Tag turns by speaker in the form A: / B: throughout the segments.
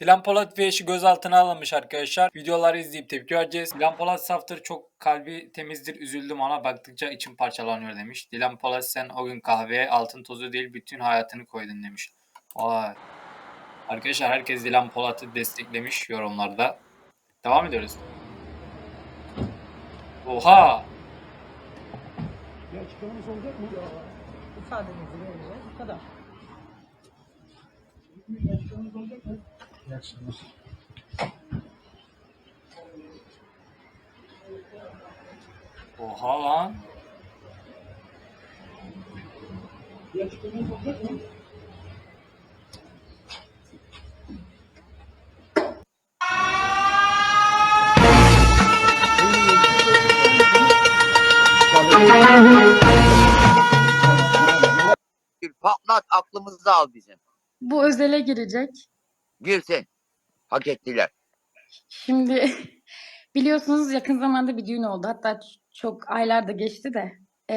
A: Dilan Polat ve eşi gözaltına alınmış arkadaşlar. Videoları izleyip tepki vereceğiz. Dilan Polat saftır, çok kalbi temizdir, üzüldüm ona baktıkça içim parçalanıyor demiş. Dilan Polat sen o gün kahveye altın tozu değil bütün hayatını koydun demiş. Vay. Arkadaşlar herkes Dilan Polat'ı desteklemiş yorumlarda. Devam ediyoruz. Oha!
B: Bir açıklamanız olacak mı?
C: İfademizi vereceğiz. Bu kadar.
B: Bir açıklamanız olacak mı? İyi akşamlar.
A: Oha lan.
B: Bir açıklamanız olacak mı?
D: Patlat aklımızı al bizim.
E: Bu özele girecek.
D: Girsin. Hak ettiler.
E: Şimdi biliyorsunuz yakın zamanda bir düğün oldu. Hatta çok aylar da geçti de.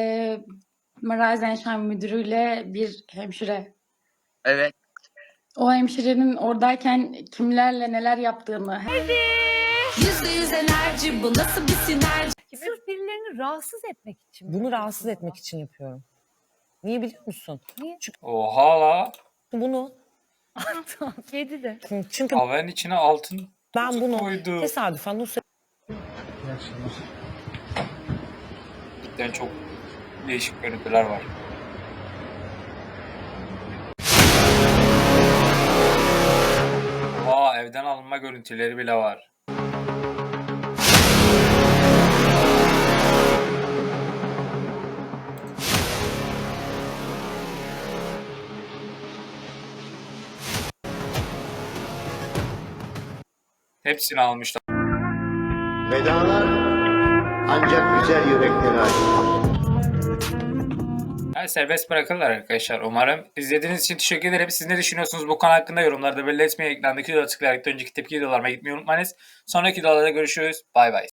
E: Maraz müdürüyle bir hemşire.
D: Evet.
E: O hemşirenin oradayken kimlerle neler yaptığını.
F: %100 enerji, bu nasıl bir sinerji?
C: Sırf birilerini rahatsız etmek için.
G: Bunu rahatsız etmek için yapıyorum. Niye biliyor musun?
C: Niye?
A: Oha la.
G: Bunu
C: Kedi de.
G: çünkü
A: Havanın içine altın
G: ben bunu
A: koydu.
G: tesadüfen o
B: İyi akşamlar.
A: Cidden çok değişik görüntüler var. Oha evden alınma görüntüleri bile var. Hepsini almışlar.
H: Vedalar ancak güzel yüreklere ait.
A: Yani serbest bırakırlar arkadaşlar umarım. İzlediğiniz için teşekkür ederim. Siz ne düşünüyorsunuz bu konu hakkında yorumlarda belli etmeyi, ekrandaki videoda tıklayarak da önceki tepki videolarıma gitmeyi unutmayınız. Sonraki videolarda görüşürüz. Bay bay.